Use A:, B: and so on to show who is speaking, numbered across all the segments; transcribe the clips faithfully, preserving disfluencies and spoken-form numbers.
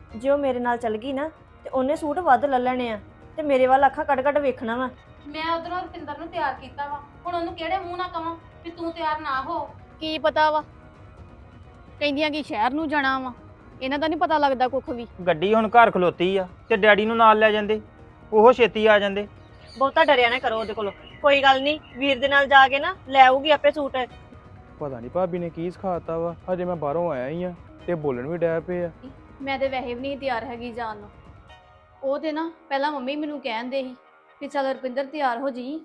A: ਜੇ ਉਹ ਮੇਰੇ ਨਾਲ ਚੱਲ ਗਈ ਨਾ ਤੇ ਉਹਨੇ ਸੂਟ ਵੱਧ ਲੈ ਲੈਣੇ ਆ ਤੇ ਮੇਰੇ ਵੱਲ ਅੱਖਾਂ ਕੱਢ ਕੱਢ ਵੇਖਣਾ ਵਾ।
B: ਮੈਂ ਉਧਰੋਂ ਰੁਪਿੰਦਰ ਨੂੰ ਤਿਆਰ ਕੀਤਾ ਵਾ, ਹੁਣ ਉਹਨੂੰ ਕਿਹੜੇ ਮੂੰਹ ਨਾਲ ਕਵਾਂ ਵੀ ਤੂੰ ਤਿਆਰ ਨਾ ਹੋ।
C: ਕੀ ਪਤਾ ਵਾ, ਕਹਿੰਦੀਆਂ ਕਿ ਸ਼ਹਿਰ ਨੂੰ ਜਾਣਾ ਵਾ, ਇਹਨਾਂ ਦਾ ਨਹੀਂ ਪਤਾ ਲੱਗਦਾ ਕੁੱਖ ਵੀ।
D: ਗੱਡੀ ਹੁਣ ਘਰ ਖਲੋਤੀ ਆ ਤੇ ਡੈਡੀ ਨੂੰ ਨਾਲ ਲੈ ਜਾਂਦੇ, ਉਹ ਛੇਤੀ ਆ ਜਾਂਦੇ।
A: ਬਹੁਤਾ ਡਰਿਆ ਨਾ ਕਰੋ ਉਹਦੇ ਕੋਲੋਂ, ਕੋਈ ਗੱਲ ਨਹੀਂ ਵੀਰ ਦੇ ਨਾਲ ਜਾ ਕੇ ਨਾ ਲੈ ਆਊਗੀ ਆਪੇ ਸੂਟ।
E: ਪਤਾ ਨਹੀਂ ਭਾਬੀ ਨੇ ਕੀ ਸਿਖਾਤਾ ਵਾ, ਹਜੇ ਮੈਂ ਬਾਹਰੋਂ ਆਇਆ ਹੀ ਆ ਤੇ ਬੋਲਣ ਵੀ ਡੈ ਪਏ ਆ।
C: ਮੈਂ ਤੇ ਵੈਸੇ ਵੀ ਨਹੀਂ ਤਿਆਰ ਹੈਗੀ ਜਾਣ ਨੂੰ। ਉਹ ਤੇ ਨਾ ਪਹਿਲਾਂ ਮੰਮੀ ਮੈਨੂੰ ਕਹਿੰਦੇ ਸੀ ਕਿ ਚੱਲ ਰੁਪਿੰਦਰ ਤਿਆਰ ਹੋ ਜੀ।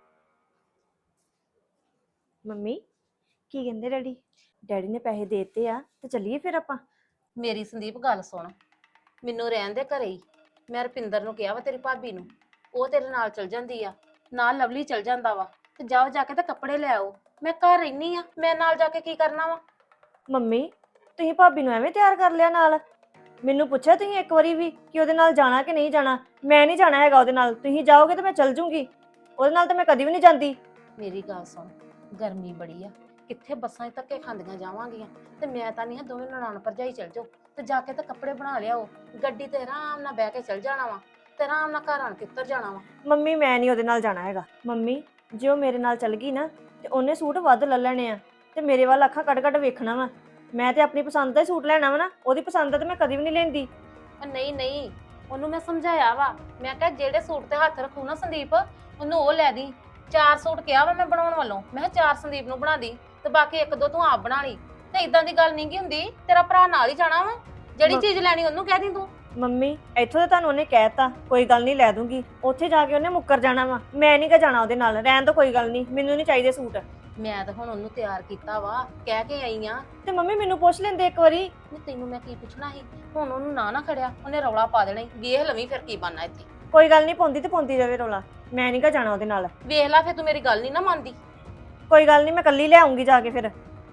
A: ਮੰਮੀ ਕੀ ਕਹਿੰਦੇ ਡੈਡੀ? ਡੈਡੀ ਨੇ ਪੈਸੇ ਦੇ ਦਿੱਤੇ ਆ ਤੇ ਚੱਲੀਏ ਫਿਰ ਆਪਾਂ।
B: ਮੇਰੀ ਸੰਦੀਪ ਗੱਲ ਸੁਣ, ਮੈਨੂੰ ਰਹਿਣ ਦੇ ਘਰੇ ਹੀ। ਮੈਂ ਰੁਪਿੰਦਰ ਨੂੰ ਕਿਹਾ ਵਾ ਤੇਰੀ ਭਾਬੀ ਨੂੰ, ਉਹ ਤੇਰੇ ਨਾਲ ਚਲ ਜਾਂਦੀ ਆ, ਨਾਲ ਲਵਲੀ ਚਲ ਜਾਂਦਾ ਵਾ, ਤੇ ਜਾਓ ਜਾ ਕੇ ਤਾਂ ਕੱਪੜੇ ਲੈ ਆਓ। ਮੈਂ ਘਰ ਰਹਿਨੀ ਆ, ਮੈਂ ਨਾਲ ਜਾ ਕੇ ਕੀ ਕਰਨਾ ਵਾ?
A: ਮੰਮੀ ਤੁਸੀਂ ਭਾਬੀ ਨੂੰ ਐਵੇਂ ਤਿਆਰ ਕਰ ਲਿਆ ਨਾਲ? ਮੈਨੂੰ ਪੁੱਛਿਆ ਤੁਸੀਂ ਇੱਕ ਵਾਰੀ ਵੀ ਕਿ ਉਹਦੇ ਨਾਲ ਜਾਣਾ ਕਿ ਨਹੀਂ ਜਾਣਾ? ਮੈਂ ਨਹੀਂ ਜਾਣਾ ਹੈਗਾ ਉਹਦੇ ਨਾਲ, ਤੁਸੀਂ ਜਾਓਗੇ ਤਾਂ ਮੈਂ ਚੱਲ ਜੂੰਗੀ, ਉਹਦੇ ਨਾਲ ਤਾਂ ਮੈਂ ਕਦੀ ਵੀ ਨਹੀਂ ਜਾਂਦੀ।
B: ਮੇਰੀ ਗੱਲ ਸੁਣ, ਗਰਮੀ ਬੜੀ ਆ, ਕਿੱਥੇ ਬੱਸਾਂ 'ਚ ਧੱਕੇ ਖਾਂਦੀਆਂ ਜਾਵਾਂਗੀਆਂ, ਤੇ ਮੈਂ ਤਾਂ ਨਹੀਂ ਆ ਦੋਵੇਂ ਨਨਾਣ ਭਰਜਾਈ ਚਲ ਜਾਓ ਤੇ ਜਾ ਕੇ ਤਾਂ ਕੱਪੜੇ ਬਣਾ ਲਿਆਓ। ਗੱਡੀ ਤੇ ਆਰਾਮ ਨਾਲ ਬਹਿ ਕੇ ਚਲ ਜਾਣਾ ਵਾ ਤੇ ਆਰਾਮ ਨਾਲ ਘਰ ਆਣ ਕੇ ਉੱਤਰ ਜਾਣਾ ਵਾ।
A: ਮੰਮੀ ਮੈਂ ਨਹੀਂ ਉਹਦੇ ਨਾਲ ਜਾਣਾ ਹੈਗਾ। ਮੰਮੀ ਜੇ ਉਹ ਮੇਰੇ ਨਾਲ ਚੱਲ ਗਈ ਨਾ ਤੇ ਉਹਨੇ ਸੂਟ ਵੱਧ ਲੈ ਲੈਣੇ ਆ ਤੇ ਮੇਰੇ ਵੱਲ ਅੱਖਾਂ ਕੱਢ ਕੱਢ ਵੇਖਣਾ ਵਾ। ਮੈਂ ਤੇ ਆਪਣੀ ਪਸੰਦ ਦਾ ਹੀ ਸੂਟ ਲੈਣਾ ਵਾ ਨਾ, ਉਹਦੀ ਪਸੰਦ ਦਾ ਤੇ ਮੈਂ ਕਦੀ ਵੀ ਨਹੀਂ ਲੈਂਦੀ।
B: ਉਹ ਨਹੀਂ ਨਹੀਂ, ਉਹਨੂੰ ਮੈਂ ਸਮਝਾਇਆ ਵਾ, ਮੈਂ ਕਿਹਾ ਜਿਹੜੇ ਸੂਟ ਤੇ ਹੱਥ ਰੱਖੂ ਨਾ ਸੰਦੀਪ, ਉਹਨੂੰ ਉਹ ਲੈ ਦੀ। ਚਾਰ ਸੂਟ ਕਿਹਾ ਵਾ ਮੈਂ ਬਣਾਉਣ ਵੱਲੋਂ, ਮੈਂ ਕਿਹਾ ਚਾਰ ਸੰਦੀਪ ਨੂੰ ਬਣਾ ਦੀ ਤੇ ਬਾਕੀ ਇੱਕ ਦੋ ਤੂੰ ਆਪ ਬਣਾ ਲਈ। ਤੇ ਇਦਾਂ ਦੀ ਗੱਲ ਨਹੀਂ ਗੀ ਹੁੰਦੀ, ਤੇਰਾ ਭਰਾ ਨਾਲ ਹੀ ਜਾਣਾ ਵਾ, ਜਿਹੜੀ ਚੀਜ਼ ਲੈਣੀ ਉਹਨੂੰ ਕਹਿ ਦੀ ਤੂੰ।
A: ਮੰਮੀ ਇੱਥੋਂ ਤਾਂ ਤੁਹਾਨੂੰ ਉਹਨੇ ਕਹਿਤਾ ਕੋਈ ਗੱਲ ਨਹੀਂ ਲੈ ਦੂੰਗੀ, ਉੱਥੇ ਜਾ ਕੇ ਉਹਨੇ ਮੁੱਕਰ ਜਾਣਾ ਵਾ। ਮੈਂ ਨਹੀਂ ਗਾ ਜਾਣਾ ਉਹਦੇ ਨਾਲ, ਰਹਿਣ ਤੋਂ ਕੋਈ ਗੱਲ ਨਹੀਂ, ਮੈਨੂੰ ਨਹੀਂ ਚਾਹੀਦੇ ਸੂਟ।
B: ਮੈਂ ਤਾਂ ਹੁਣ ਉਹਨੂੰ ਤਿਆਰ ਕੀਤਾ ਵਾ, ਕਹਿ ਕੇ ਆਈ ਆ।
A: ਤੇ ਮੰਮੀ ਮੈਨੂੰ ਪੁੱਛ ਲੈਂਦੇ ਇੱਕ ਵਾਰੀ।
B: ਨਹੀਂ ਤੈਨੂੰ ਮੈਂ ਕੀ ਪੁੱਛਣਾ ਸੀ, ਹੁਣ ਉਹਨੂੰ ਨਾ ਨਾ ਖੜਿਆ, ਉਹਨੇ ਰੌਲਾ ਪਾ ਦੇਣਾ ਈ। ਵੇਖ ਲਵੀਂ ਫਿਰ ਕੀ ਬਣਨਾ ਇੱਥੇ।
A: ਕੋਈ ਗੱਲ ਨਹੀਂ, ਪਾਉਂਦੀ ਤੇ ਪਾਉਂਦੀ ਜਾਵੇ ਰੌਲਾ, ਮੈਂ ਨਹੀਂ ਗਾ ਜਾਣਾ ਉਹਦੇ ਨਾਲ।
B: ਵੇਖ ਲੈ ਫਿਰ, ਤੂੰ ਮੇਰੀ ਗੱਲ ਨਹੀਂ ਨਾ ਮੰਨਦੀ।
A: ਕੋਈ ਗੱਲ ਨਹੀਂ, ਮੈਂ ਕੱਲੀ ਲੈ ਆਉਂਗੀ ਜਾ ਕੇ ਫਿਰ।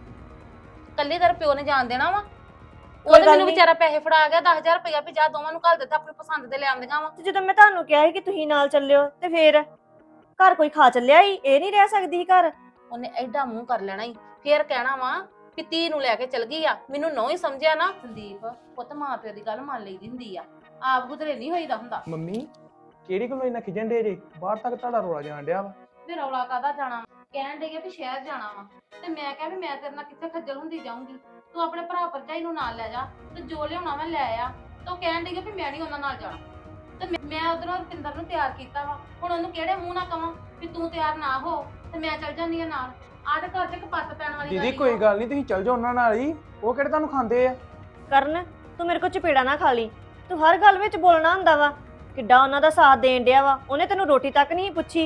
B: ਕੱਲੇ ਤੇਰੇ ਪਿਓ ਨੇ ਜਾਣ ਦੇਣਾ ਵਾ?
A: ਕੋਈ
B: ਉਹਨੇ
A: ਗੱਲ
B: ਮੈਨੂੰ
A: ਨੀ।
B: ਵਿਚਾਰਾ ਪੈਸੇ ਫੜਾ ਗਿਆ ਦਸ ਹਜ਼ਾਰ ਰੁਪਇਆ ਵੀ ਜਾ ਦੋਵਾਂ ਨੂੰ ਘੱਲ ਦਿੱਤਾ, ਆਪਣੀ ਪਸੰਦ ਦੇ ਲੈ ਆਉਂਦੀਆਂ ਵਾ।
A: ਤੇ ਜਦੋਂ ਮੈਂ ਤੁਹਾਨੂੰ ਕਿਹਾ ਸੀ ਕਿ ਤੁਸੀਂ ਨਾਲ ਚੱਲਿਓ ਤੇ ਫੇਰ ਘਰ ਕੋਈ ਖਾ ਚੱਲਿਆ ਹੀ, ਇਹ ਨਹੀਂ ਰਹਿ ਸਕਦੀ ਸੀ ਘਰ।
B: ਉਹਨੇ ਐਡਾ ਮੂੰਹ ਕਰ ਲੈਣਾ ਈ, ਫੇਰ ਕਹਿਣਾ ਵਾ ਵੀ ਧੀ ਨੂੰ ਲੈ ਕੇ ਚਲ ਗਈ ਆ, ਮੈਨੂੰ ਨੋ ਹੀ ਸਮਝਿਆ ਨਾ। ਸੰਦੀਪ ਪੁੱਤ ਮਾਂ ਪਿਓ ਦੀ ਗੱਲ ਮੰਨ ਲਈ ਦੀ ਹੁੰਦੀ ਆ, ਆਪ ਗੁਦਰੇ ਨਹੀਂ ਹੋਈਦਾ ਹੁੰਦਾ।
E: ਮੰਮੀ ਕਿਹੜੀ ਗੱਲੋਂ ਇੰਨਾ ਖਿਜਣ ਡੇ ਜੇ? ਬਾਹਰ ਤੱਕ ਤੁਹਾਡਾ ਰੋਲਾ ਜਾਣ ਡਿਆ ਵਾ।
B: ਵੀ ਰੌਲਾ ਕਾਹਦਾ ਜਾਣਾ ਵਾ? ਕਹਿਣ ਡਈ ਆ ਵੀ ਸ਼ਹਿਰ ਜਾਣਾ ਵਾ, ਤੇ ਮੈਂ ਕਿਹਾ ਵੀ ਮੈਂ ਤੇਰੇ ਨਾਲ ਕਿੱਥੇ ਖੱਜਲ ਹੁੰਦੀ ਜਾਊਂਗੀ, ਤੂੰ ਆਪਣੇ ਭਰਾ ਭਰਜਾਈ ਨੂੰ ਨਾਲ ਲੈ ਜਾ ਤੇ ਜੋ ਲਿਆਉਣਾ ਮੈਂ ਲੈ ਆ। ਤੇ ਉਹ ਕਹਿਣ ਡਈ ਆ ਵੀ ਮੈਂ ਨਹੀਂ ਉਹਨਾਂ ਨਾਲ ਜਾਣਾ, ਤੇ ਮੈਂ- ਮੈਂ ਉਧਰੋਂ ਰੁਪਿੰਦਰ ਨੂੰ ਤਿਆਰ ਕੀਤਾ ਵਾ, ਹੁਣ ਉਹਨੂੰ ਕਿਹੜੇ ਮੂੰਹ ਨਾਲ ਕਵਾਂ ਵੀ ਤੂੰ ਤਿਆਰ ਨਾ ਹੋ ਤੇ ਮੈਂ ਚੱਲ ਜਾਂਦੀ ਆ ਨਾਲ। ਆਹ ਤੇ ਘਰ 'ਚ ਕਪੱਤ ਪੈਣ ਵਾਲੀ
E: ਦੀਦੀ
B: ਗੱਲ
E: ਕੋਈ
B: ਈ ਆ।
E: ਗੱਲ ਨਹੀਂ, ਤੁਸੀਂ ਚੱਲ ਜਾਓ ਉਹਨਾਂ ਨਾਲ ਹੀ, ਉਹ ਕਿਹੜੇ ਤੁਹਾਨੂੰ ਖਾਂਦੇ ਆ।
A: ਕਰਨ ਤੂੰ ਮੇਰੇ ਕੋਲ ਚਪੇੜਾ ਨਾ ਖਾ ਲਈ, ਤੂੰ ਹਰ ਗੱਲ ਵਿੱਚ ਬੋਲਣਾ ਹੁੰਦਾ ਵਾ। ਕਿੱਡਾ ਉਹਨਾਂ ਦਾ ਸਾਥ ਦੇਣ ਡਿਆ ਵਾ, ਉਹਨੇ ਤੈਨੂੰ ਰੋਟੀ ਤੱਕ ਨਹੀਂ ਪੁੱਛੀ।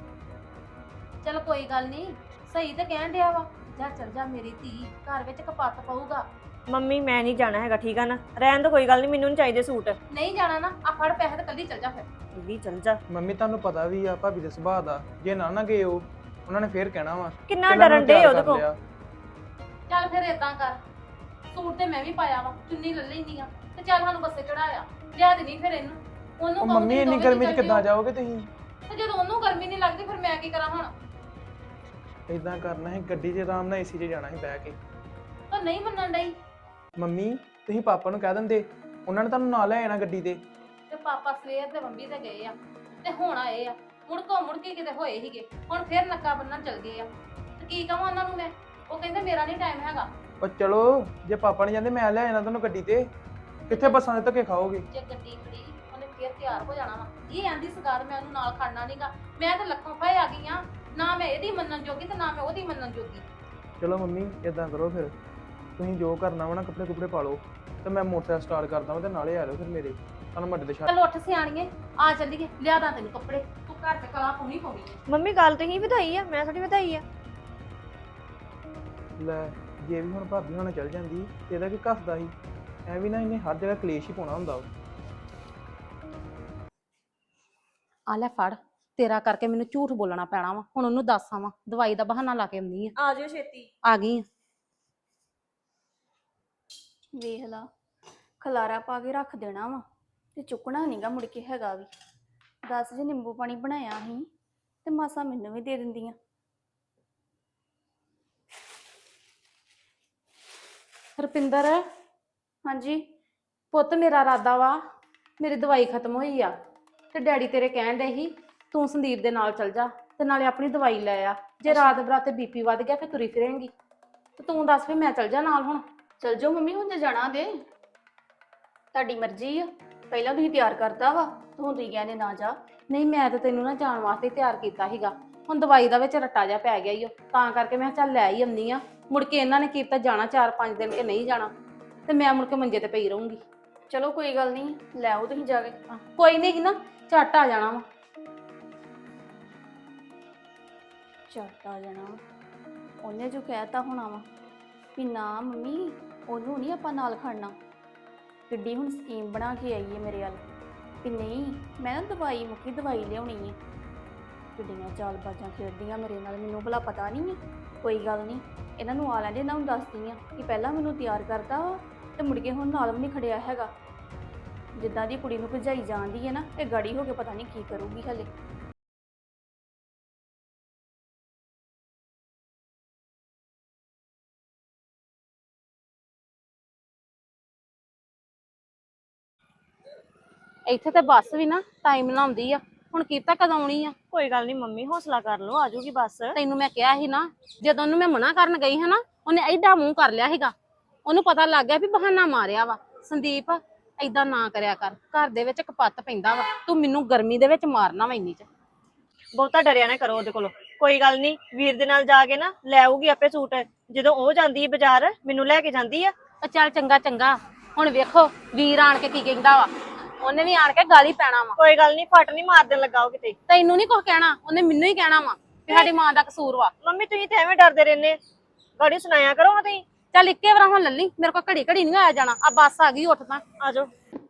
B: ਚਲ ਕੋਈ ਗੱਲ ਨਹੀਂ, ਸਹੀ ਤੇ ਕਹਿਣ ਡਿਆ ਵਾ, ਜਾ ਚੱਲ ਜਾ ਮੇਰੀ ਧੀ, ਘਰ ਵਿੱਚ ਕਪੱਤ ਪਊਗਾ।
A: ਮੰਮੀ ਮੈਂ ਨਹੀਂ ਜਾਣਾ ਹੈਗਾ, ਠੀਕ ਆ ਨਾ? ਰਹਿਣ ਤੋਂ ਕੋਈ ਗੱਲ ਨਹੀਂ, ਮੈਨੂੰ ਨਹੀਂ ਚਾਹੀਦੇ ਸੂਟ।
B: ਨਹੀਂ ਜਾਣਾ ਨਾ, ਆ ਫੜ ਪੈਸੇ ਤੇ ਕੱਲੀ ਚੱਲ ਜਾ ਫਿਰ।
A: ਇਹ ਵੀ ਚੱਲ ਜਾ।
E: ਮੰਮੀ ਤੁਹਾਨੂੰ ਪਤਾ ਵੀ ਆ ਭਾਬੀ ਦੇ ਸੁਭਾਅ ਦਾ, ਜੇ ਨਾ ਨਾ ਗਏ ਉਹ, ਉਹਨਾਂ ਨੇ ਫੇਰ ਕਹਿਣਾ ਵਾ
A: ਕਿੰਨਾ
E: ਪਹਿਲਾਂ
A: ਡਰਨ
E: ਮੈਨੂੰ
A: ਡੇ
E: ਤਿਆਰ
A: ਉਹਦੇ
E: ਕਰ
A: ਕੋਲ।
E: ਲਿਆ।
B: ਚੱਲ ਫਿਰ ਏਦਾਂ ਕਰ, ਸੂਟ ਤੇ ਮੈਂ ਵੀ ਪਾਇਆ ਵਾ, ਚੁੰਨੀ ਲੈ ਲੈਂਦੀ ਆ, ਤੇ ਚੱਲ ਸਾਨੂੰ ਬੱਸੇ ਚੜਾਇਆ ਲਿਆ ਦੇਣੀ ਫਿਰ ਇਹਨੂੰ। ਉਹਨੂੰ
E: ਉਹ
B: ਕਹੂੰਗੀ
E: ਮੰਮੀ ਇੰਨੀ
B: ਦੋਵੇਂ
E: ਗਰਮੀ 'ਚ
B: ਚੱਲ
E: ਕਿੱਦਾਂ
B: ਜਿਓ।
E: ਜਾਓਗੇ ਤੁਸੀਂ?
B: ਤੇ ਜਦੋਂ ਉਹਨੂੰ ਗਰਮੀ ਨਹੀਂ ਲੱਗਦੀ ਫਿਰ ਮੈਂ ਕੀ ਕਰਾਂ ਹੁਣ?
E: ਇਦਾਂ ਕਰਨਾ ਹੈ, ਗੱਡੀ 'ਚ ਆਰਾਮ ਨਾਲ ਏਸੀ 'ਚ ਜਾਣਾ ਸੀ ਬਹਿ ਕੇ।
B: ਤਾਂ ਨਹੀਂ ਮੰਨਣ ਡਈ।
E: ਮੰਮੀ ਤੁਸੀਂ ਪਾਪਾ ਨੂੰ ਕਹਿ ਦਿੰਦੇ, ਉਹਨਾਂ ਨੇ ਤੁਹਾਨੂੰ ਨਾਲ ਲੈ ਜਾਣਾ ਗੱਡੀ ਤੇ।
B: ਤੇ ਪਾਪਾ ਸਵੇਰ ਦੇ ਬੰਬੀ ਤੇ ਗਏ ਆ ਤੇ ਹੁਣ ਆਏ ਆ, ਮੁੜ ਕੋ ਮੁੜ ਕੇ ਕਿਤੇ ਹੋਏ ਸੀਗੇ, ਹੁਣ ਫਿਰ ਨੱਕਾ ਬੰਨਣ ਚਲ ਗਏ ਆ। ਤੇ ਕੀ ਕਹਾਂ ਉਹਨਾਂ ਨੂੰ ਮੈਂ? ਉਹ ਕਹਿੰਦੇ ਮੇਰਾ ਨਹੀਂ ਟਾਈਮ ਹੈਗਾ।
E: ਪਰ ਚਲੋ ਜੇ ਪਾਪਾ ਨਹੀਂ ਜਾਂਦੇ ਮੈਂ ਲੈ ਜਾਣਾ ਤੁਹਾਨੂੰ ਗੱਡੀ ਤੇ, ਕਿੱਥੇ ਬੱਸਾਂ ਦੇ ਧੱਕੇ ਖਾਓਗੇ?
B: ਜੇ ਗੱਡੀ ਖੜੀ ਉਹਨੇ ਫਿਰ ਤਿਆਰ ਹੋ ਜਾਣਾ ਵਾ। ਇਹ ਆਂਦੀ ਸਗਾਰ ਮੈਂ ਉਹਨੂੰ ਨਾਲ ਖੜਨਾ ਨਹੀਂਗਾ, ਮੈਂ ਤਾਂ ਲੱਖੋਂ ਫਾਇ ਆ ਗਈ ਆ, ਨਾ ਮੈਂ ਇਹਦੀ ਮੰਨਣ ਜੋਗੀ ਤੇ ਨਾ ਮੈਂ ਉਹਦੀ ਮੰਨਣ ਜੋਗੀ।
E: ਚਲੋ ਮੰਮੀ ਇਦਾਂ ਕਰੋ ਫਿਰ, ਤੁਸੀਂ ਜੋ ਕਰਨਾ ਵਾ ਨਾ ਕੱਪੜੇ ਕੁਪੜੇ ਪਾ ਲਓ ਤੇ ਮੈਂ ਮੋਟਰਸਾਈਕਲ ਸਟਾਰਟ ਕਰਦਾ ਵਾਂ ਤੇ ਨਾਲੇ ਆ ਜਾਓ ਫਿਰ ਮੇਰੇ, ਤੁਹਾਨੂੰ ਮੱਡੇ ਦੇ ਛੱਡ।
B: ਚਲ ਉੱਠ ਸਿਆਣੀਏ, ਆ ਚੱਲੀਏ, ਲਿਆ ਦਾਂ ਤੈਨੂੰ ਕੱਪੜੇ, ਤੂੰ ਘਰ ਤੇ ਕਲਾ ਪਾਉਣੀ ਪਾਉਣੀ ਹੈ।
A: ਮੰਮੀ ਗੱਲ ਤੁਸੀਂ ਵਧਾਈ ਆ, ਮੈਂ ਥੋੜੀ ਵਧਾਈ ਆ।
E: ਲੈ ਜੇ ਵੀ ਹੁਣ ਭਾਬੀ ਹੁਣ ਚੱਲ ਜਾਂਦੀ ਤੇ ਇਹਦਾ ਕੀ ਘਸਦਾ ਸੀ, ਐ ਵੀ ਨਾ ਇਹਨੇ ਹਰ ਜਗ੍ਹਾ ਕਲੇਸ਼ ਹੀ ਪਾਉਣਾ ਹੁੰਦਾ ਵਾ।
B: ਆ ਲੈ ਫੜ, ਤੇਰਾ ਕਰਕੇ ਮੈਨੂੰ ਝੂਠ ਬੋਲਣਾ ਪੈਣਾ ਵਾ, ਹੁਣ ਉਹਨੂੰ ਦੱਸ ਆਵਾਂ, ਦਵਾਈ ਦਾ ਬਹਾਨਾ ਲਾ ਕੇ ਆਉਂਦੀ ਆ।
A: ਆ ਜਿਓ ਛੇਤੀ।
B: ਆ ਗਈ ਆ।
C: ਵੇਖ ਲਾ, ਖਲਾਰਾ ਪਾ ਕੇ ਰੱਖ ਦੇਣਾ ਵਾ ਤੇ ਚੁੱਕਣਾ ਨਹੀਂਗਾ ਮੁੜ ਕੇ ਹੈਗਾ ਵੀ। ਦਸ ਜੇ ਨਿੰਬੂ ਪਾਣੀ ਬਣਾਇਆ ਸੀ ਤੇ ਮਾਸਾ ਮੈਨੂੰ ਵੀ ਦੇ ਦਿੰਦੀਆਂ।
B: ਰੁਪਿੰਦਰ
C: ਹਾਂਜੀ
B: ਪੁੱਤ ਮੇਰਾ ਇਰਾਦਾ ਵਾ, ਮੇਰੀ ਦਵਾਈ ਖਤਮ ਹੋਈ ਆ ਤੇ ਡੈਡੀ ਤੇਰੇ ਕਹਿਣ ਦੇ ਸੀ ਤੂੰ ਸੰਦੀਪ ਦੇ ਨਾਲ ਚਲ ਜਾ ਤੇ ਨਾਲੇ ਆਪਣੀ ਦਵਾਈ ਲੈ ਆ। ਜੇ ਰਾਤ ਬਰਾਤੇ ਬੀਪੀ ਵੱਧ ਗਿਆ ਫਿਰ ਤੁਰੀ ਫਿਰੇਂਗੀ ਤੇ ਤੂੰ ਦੱਸ ਵੀ ਮੈਂ ਚਲ ਜਾ ਨਾਲ ਹੁਣ।
C: ਚਲ ਜਾਓ ਮੰਮੀ, ਹੁਣ ਜੇ ਜਾਣਾ ਦੇ ਤੁਹਾਡੀ ਮਰਜ਼ੀ ਆ। ਪਹਿਲਾਂ ਤੁਸੀਂ ਤਿਆਰ ਕਰਤਾ ਵਾ ਤੇ ਹੁਣ ਤੁਸੀਂ ਕਹਿੰਦੇ ਨਾ ਜਾ।
B: ਨਹੀਂ ਮੈਂ ਤਾਂ ਤੈਨੂੰ ਨਾ ਜਾਣ ਵਾਸਤੇ ਤਿਆਰ ਕੀਤਾ ਸੀਗਾ, ਹੁਣ ਦਵਾਈ ਦਾ ਵਿੱਚ ਰੱਟਾ ਜਿਹਾ ਪੈ ਗਿਆ ਈ ਓ, ਤਾਂ ਕਰਕੇ ਮੈਂ ਕਿਹਾ ਚੱਲ ਲੈ ਹੀ ਆਉਂਦੀ ਆ। ਮੁੜ ਕੇ ਇਹਨਾਂ ਨੇ ਕੀਤਾ ਜਾਣਾ ਚਾਰ ਪੰਜ ਦਿਨ ਕਿ ਨਹੀਂ ਜਾਣਾ ਤੇ ਮੈਂ ਮੁੜ ਕੇ ਮੰਜੇ ਤੇ ਪਈ ਰਹੂੰਗੀ।
C: ਚਲੋ ਕੋਈ ਗੱਲ ਨਹੀਂ, ਲੈ ਆਓ ਤੁਸੀਂ ਜਾ ਕੇ।
B: ਕੋਈ ਨਹੀਂ ਨਾ, ਝੱਟ ਆ ਜਾਣਾ ਵਾ।
C: ਝੱਟ ਆ ਜਾਣਾ ਵਾ। ਉਹਨੇ ਜੋ ਕਹਿਤਾ ਹੋਣਾ ਵਾ ਵੀ ਨਾ ਮੰਮੀ ਉਹਨੂੰ ਨਹੀਂ ਆਪਾਂ ਨਾਲ ਖੜਨਾ। ਕਿੱਡੀ ਹੁਣ ਸਕੀਮ ਬਣਾ ਕੇ ਆਈ ਹੈ ਮੇਰੇ ਵੱਲ ਵੀ ਨਹੀਂ ਮੈਂ ਨਾ ਦਵਾਈ ਮੁੱਕੀ ਦਵਾਈ ਲਿਆਉਣੀ ਹੈ। ਕਿੱਡੀਆਂ ਚਾਲਬਾਜ਼ਾਂ ਖੇਡਦੀਆਂ ਮੇਰੇ ਨਾਲ, ਮੈਨੂੰ ਭਲਾ ਪਤਾ ਨਹੀਂ ਹੈ। ਕੋਈ ਗੱਲ ਨਹੀਂ, ਇਹਨਾਂ ਨੂੰ ਆ ਲੈਂਦੇ, ਇਹਨਾਂ ਨੂੰ ਦੱਸਦੀ ਆ ਕਿ ਪਹਿਲਾਂ ਮੈਨੂੰ ਤਿਆਰ ਕਰਤਾ ਵਾ ਤੇ ਮੁੜ ਕੇ ਹੁਣ ਨਾਲ ਵੀ ਨਹੀਂ ਖੜਿਆ ਹੈਗਾ। ਜਿੱਦਾਂ ਦੀ ਕੁੜੀ ਨੂੰ ਭਜਾਈ ਜਾਂਦੀ ਹੈ ਨਾ, ਇਹ ਗਾੜੀ ਹੋ ਕੇ ਪਤਾ ਨਹੀਂ ਕੀ ਕਰੂਗੀ ਹਲੇ।
B: ਇੱਥੇ ਤੇ ਬੱਸ ਵੀ ਨਾ ਟਾਈਮ ਲਾਉਂਦੀ ਆ, ਹੁਣ ਕੀਤਾ ਕਦੋਂ ਆਉਣੀ ਆ।
A: ਕੋਈ ਗੱਲ ਨਹੀਂ ਮੰਮੀ, ਹੌਸਲਾ ਕਰ ਲਓ, ਆ ਜਾਊਗੀ ਬੱਸ।
B: ਤੈਨੂੰ ਮੈਂ ਕਿਹਾ ਸੀ ਨਾ, ਜਦੋਂ ਉਹਨੂੰ ਮੈਂ ਮਨਾ ਕਰਨ ਗਈ ਹਾਂ ਨਾ, ਉਹਨੇ ਐਡਾ ਮੂੰਹ ਕਰ ਲਿਆ ਸੀਗਾ। ਉਹਨੂੰ ਪਤਾ ਲੱਗ ਗਿਆ ਵੀ ਬਹਾਨਾ ਮਾਰਿਆ ਵਾ। ਸੰਦੀਪ ਏਦਾਂ ਨਾ ਕਰਿਆ ਕਰ, ਘਰ ਦੇ ਵਿੱਚ ਕਪੱਤ ਪੈਂਦਾ ਵਾ, ਤੂੰ ਮੈਨੂੰ ਗਰਮੀ ਦੇ ਵਿੱਚ ਮਾਰਨਾ ਵਾ ਇੰਨੀ ਚ।
A: ਬਹੁਤਾ ਡਰਿਆ ਨਾ ਕਰੋ ਉਹਦੇ ਕੋਲੋਂ। ਕੋਈ ਗੱਲ ਨਹੀਂ, ਵੀਰ ਦੇ ਨਾਲ ਜਾ ਕੇ ਨਾ ਲੈ ਆਊਗੀ ਆਪੇ ਸੂਟ। ਜਦੋਂ ਉਹ ਜਾਂਦੀ ਹੈ ਬਾਜ਼ਾਰ ਮੈਨੂੰ ਲੈ ਕੇ ਜਾਂਦੀ ਆ।
B: ਉਹ ਚੱਲ ਚੰਗਾ ਚੰਗਾ, ਹੁਣ ਵੇਖੋ ਵੀਰ ਆਣ ਕੇ ਕੀ ਕਹਿੰਦਾ ਵਾ। ਉਹਨੇ ਵੀ ਆਣ ਕੇ ਗਾਲੀ ਪੈਣਾ ਵਾ।
A: ਕੋਈ ਗੱਲ ਨਹੀਂ, ਫਟ ਨਹੀਂ ਮਾਰ ਦੇਣ ਲੱਗਾ ਉਹ ਕਿਤੇ।
B: ਤੈਨੂੰ ਨਹੀਂ ਕੁਝ ਕਹਿਣਾ, ਉਹਨੇ ਮੈਨੂੰ ਹੀ ਕਹਿਣਾ ਵਾ ਕਿ ਸਾਡੀ ਮਾਂ ਦਾ ਕਸੂਰ ਵਾ।
A: ਮੰਮੀ ਤੁਸੀਂ ਤਾਂ ਐਵੇਂ ਡਰਦੇ ਰਹਿੰਦੇ, ਗਾੜੀ ਸੁਣਾਇਆ ਕਰੋ ਹਾਂ ਤੁਸੀਂ।
B: ਚੱਲ ਇੱਕੇ ਵਾਰ ਹੁਣ ਲੱਲੀ, ਮੇਰੇ ਕੋਲ ਘੜੀ ਘੜੀ ਨਹੀਂ ਆਇਆ ਜਾਣਾ। ਆ ਬੱਸ ਆ ਗਈ, ਉੱਠ ਤਾਂ
A: ਆ ਜਾਓ।